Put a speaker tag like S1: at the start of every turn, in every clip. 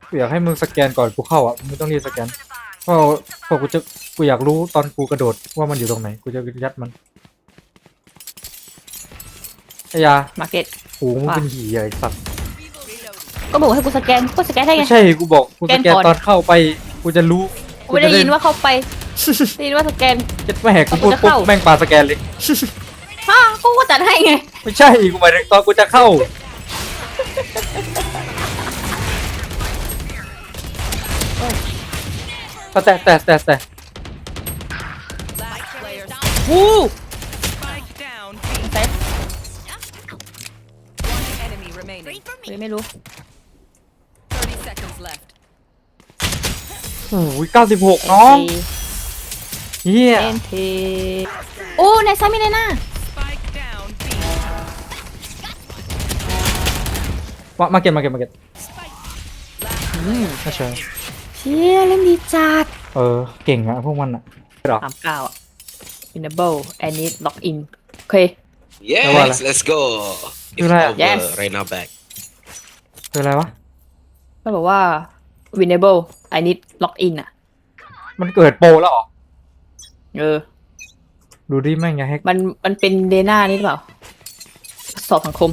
S1: กูอยากให้มึงสแกนก่อนกูเข้าอ่ะมึงไม่ต้องรีบสแกนเพราะกูอยากรู้ตอนกูกระโดดว่ามันอยู่ตรงไหนกูจะยัดมันไอ้ยา
S2: มาร์เก็ต
S1: หูมึงเป็นหี่ไอ้สัตว์
S2: ก็บอกให้กูสแกนก็สแกนได้ไง
S1: ไม่ใช่กูบอกกูสแกน
S2: สแกนก่อน
S1: ตอนเข้าไปกูจะรู้
S2: กูไม่ได้ยินว่าเข้าไปได้ยินว่าสแกน
S1: เจ็ดแม่กูพูด
S2: กูจะ
S1: ปุ๊บ
S2: เข้า
S1: แม่งปาสแกนเลย
S2: ฮะกูก็จัดให้ไง
S1: ไม่ใช่กูหมายถึงตอนกูจะเข้าแต่
S2: วู้
S3: Spike down.
S2: เซฟ
S3: One enemy remaining.
S2: ไม่รู้
S3: 30 seconds left.
S1: โอ้ย96น้องเฮีย
S2: เอ็นทีโอ้ในซ้ายมีในหน้า
S3: Spike down. B.
S1: มาเก็ต
S3: Last
S1: ไม่ใช่
S2: เชี่ยเล่นดีจัด
S1: เก่งอะพวกมันอะหรอ
S2: 39อ่ะ enable I need log in โอเค
S4: Yes, let's go. It's
S1: You're right.
S4: over
S2: Yes.
S4: right now back.
S1: คืออะไรวะ
S2: มันบอกว่า winnable I need log in อ่ะ
S1: มันเกิดโปรแล้วเหรอ
S2: เออ
S1: ดูดิแม่งอย่าแฮก
S2: มันเป็นเดน่านี่หรือเปล่า สอบสังคม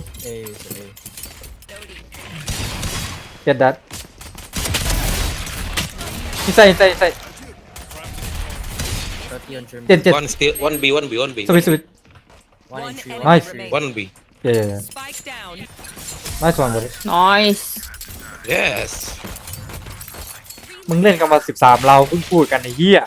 S1: เก็ตดัตใส่เจ็ด
S4: One still, one B, one B, one B.
S1: สวิต
S3: one enemy
S1: Nice.
S3: remaining.
S4: One B.
S1: เย้
S3: Spike down.
S1: ไม่สวนเลย
S2: nice
S4: Yes.
S1: มึงเล่นกันมา13เราเพิ่งพูดกันไอ้เหี้ย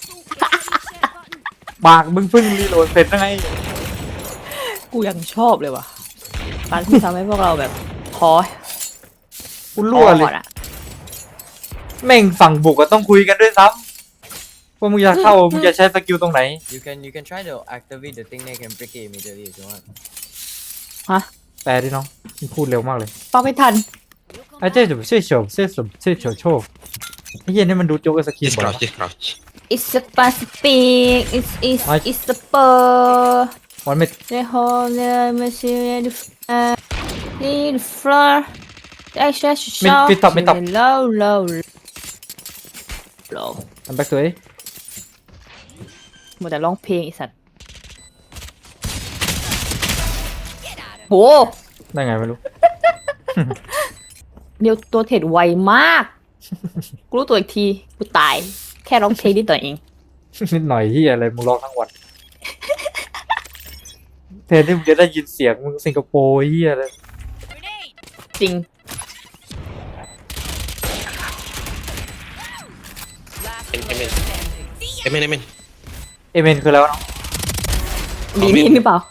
S1: ปากมึงเพิ่งรีโหลดเสร็จได้ไง
S2: กูยังชอบเลยว่ะการที่ทำให้พวกเราแบบพอ
S1: กูรั่วเล
S2: ก่
S1: ย
S2: อนอะ
S1: แม่งฝั่งบุกก็ต้องคุยกันด้วยซ้ำว่ามึงจะเข้ามึงจะใช้สกิลตรงไหน
S5: You can try to activate the thing that can break it immediately if you want.
S1: แปลดิน้องมึงพูดเร็วมากเลย
S2: ฟังไม่ทัน
S1: ไอ้เจ๊จะช่วยโชว์ไอ้เหี้ยนี่มันดูโจ๊กกับสกิล
S4: Just
S1: บ่อย
S4: crouch,
S1: วะ
S4: just crouch.
S2: it's a plastic
S1: Nice.
S2: it's a spur
S1: วันไม่
S2: the whole the machine the floor the extra shot
S1: ไม่ตอบ
S2: low low
S1: ทำแบ็กตัวเอง
S2: มัวแต่ร้องเพลงไอีสัตว์โห
S1: ได้ไงไม่รู้
S2: เดียวตัวเทรดไวมาก กูรู้ตัวอีกที กูตาย แค่ร้องเพลงนิดหน่อยเอง
S1: นิดหน่อยที่อะไรมึงร้องทั้งวันแทนที่มึงจะได้ยินเสียงมึงสิงคโปร์เฮียอะไร
S2: จริง
S3: Last
S4: Amen.
S3: player standing.
S4: Amen, amen.
S1: เอเมนคือแล้วะน้อง
S2: มีนี่หรือเปล่า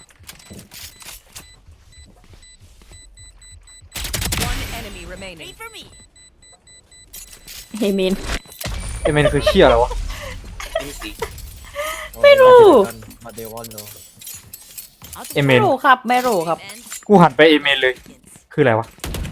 S3: One enemy remaining.
S2: เฮเมน
S1: เอเมนคือเชี่ยอะไรวะ
S4: Let me see.
S5: Oh,
S2: ไม่
S5: they
S2: รู้
S5: might have done what they want though.
S1: เอเม
S2: ไม่
S1: น
S2: รู้ครับ ไม่รู้ครับ
S1: กูหันไปเอเมนเลย คืออะไรวะ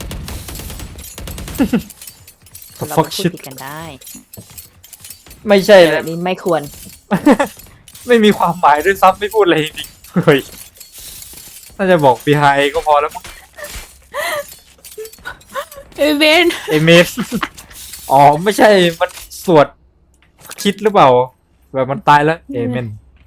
S1: The
S2: เรา
S1: fuck
S2: ก็พูด
S1: shit
S2: ผิดกันได้
S1: ไม่ใช่
S2: แต่
S1: เล
S2: แบ
S1: ย
S2: บนี้ไม่ควร
S1: ไม่มีความหมายด้วยซ้ำไม่พูดอะไรจริงๆเฮ้ยน่าจะบอก behind ก็พอแล้วมั้ง
S2: เฮเมน
S1: เอเมน อ๋อไม่ใช่มันสวดคิดหรือเปล่า แบบมันตายแล้วเอเมน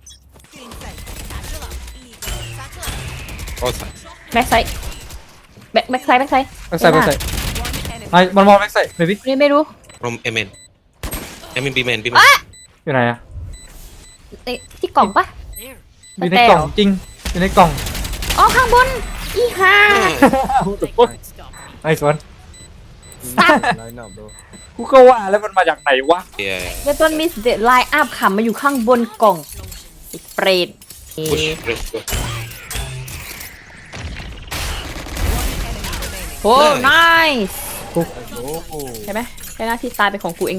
S4: All sides.
S2: แบ็กไซด์แบ็กไซด์
S1: แบ็กไซด์
S3: One enemy.
S1: ไอ้มันมองแบ็กไซด์เบบี้
S2: นี่ไม่รู้
S4: From amen. Amen, B man, B man.
S1: อยู่ไหนอะ
S2: ที่กล่องปะ
S1: อยู่ในกล่องจริงอยู่ในกล่อง
S2: อ๋อข้างบน อีห่า
S1: ไอ้สวน
S5: Line up, bro.
S1: กูก็ว่าแล้วมันมาจากไหนวะ
S4: Yeah.
S2: เดตอนมิสเดไลน์อัพค่ะมาอยู่ข้างบนกล่องไอ้เปรต
S4: Push, let's go.
S2: โอ้ nice
S5: Let's go.
S2: ใช่ไหมใช่หน้าที่ตายเป็นของกูเอง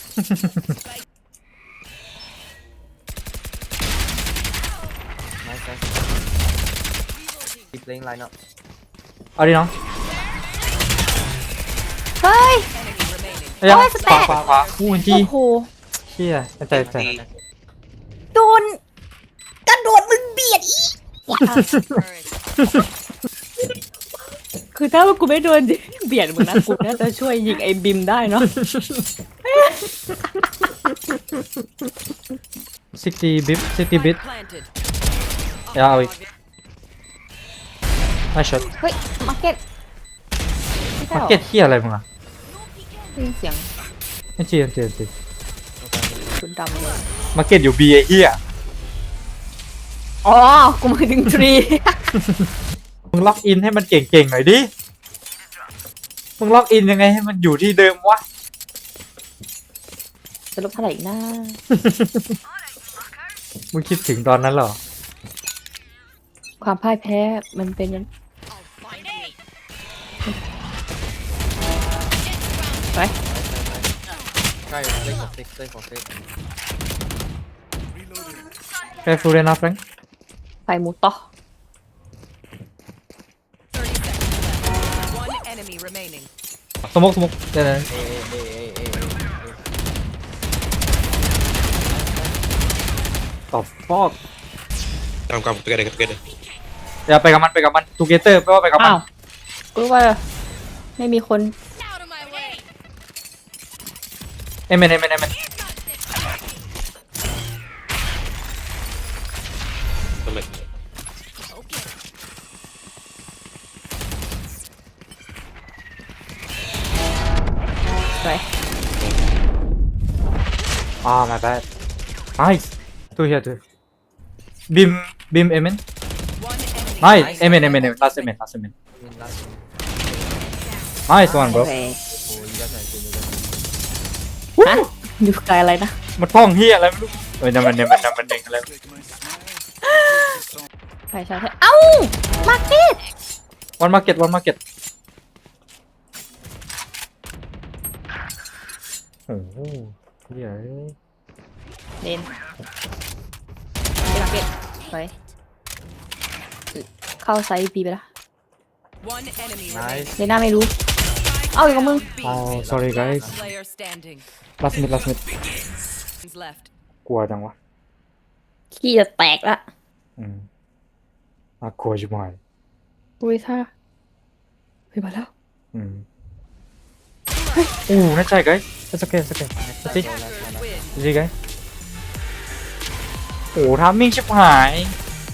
S5: Nice, nice. Keep playing line up.
S1: เอาดิน้อง
S2: เฮ้ย
S1: ไอ้ยัง
S2: โอ้ยส
S1: ข
S2: แต
S1: วาน ขวาคู่จี
S2: โอ้โห
S1: เชี่ยใจ
S4: See.
S2: โดนกระโดดมึงเบียดอีคือถ้าว่ากูไม่โดนเบียดมึงนะกูน่าจะช่วยยิงไอ้บิมได้เนาะ
S1: 60 bit 60 bit
S3: Planted.
S1: อย่าเอาอีกไอ้ช็อต
S2: เฮ้ยมาร์เก็ตไม่ใช่
S1: มา
S2: หรอ
S1: เก็ตเฮียอะไรมึงอ่ะ
S2: ได้ยินเสียง
S1: ไม่จริงจริงจริง
S2: ชุดดำเลย
S1: มาเก็ตอยู่ B ไอ้เฮีย
S2: อ๋อกูหมายถึงทรี
S1: มึงล็อกอินให้มันเก่งๆหน่อยดิมึงล็อกอินยังไงให้มันอยู่ที่เดิมวะ
S2: จะลบเท่าไหร่อีกนะ
S1: มึงคิดถึงตอนนั้นเหรอ
S2: ความพ่ายแพ้มันเป็นยังไป
S5: Try stay for six.
S1: Careful enough Frank
S2: ไปหมูต่อ
S3: 30 seconds. One enemy remaining.
S1: สมกเดี๋ยว ตอบฟอก
S4: Come, together.
S1: อย่าไปกับมันทูเกเตอร์ไม่ว่าไปกับมัน
S2: อ้าวกูรู้ว่าไม่มีคน
S1: เอเมน
S4: Amen.
S2: ไป
S1: my bad nice two here two beam amen
S3: One enemy.
S1: nice amen last amen
S5: I mean, last one.
S1: nice one
S2: โอ
S1: bro
S2: เค
S5: Oh, you guys are actually good.
S2: ฮะอยู่ไกลอะไรนะ
S1: มันท่องเฮียอะไรไม่รู้เอ้ยนั่นมันเองอะไร
S2: ใช่เอ้ามาร์เก็ต
S1: one market โอ้โหเฮีย
S2: เล่นมาร์เก็ตไปเข้าไซส์บีไปละ
S3: One enemy remaining.
S5: Nice.
S2: เลน่าไม่รู้ เอาอีกกับมึง
S1: oh sorry guys
S3: Player standing.
S1: last minute
S3: Left.
S1: กลัวจังวะ
S2: ขี้จะแตกละ
S1: น่ากลัวชิบหาย
S2: อุ้ยท่าไปมาแล้ว
S1: น่าใจ guys it's okay let's see
S3: Win.
S1: guys โอ้ทามมิ่งชิบหาย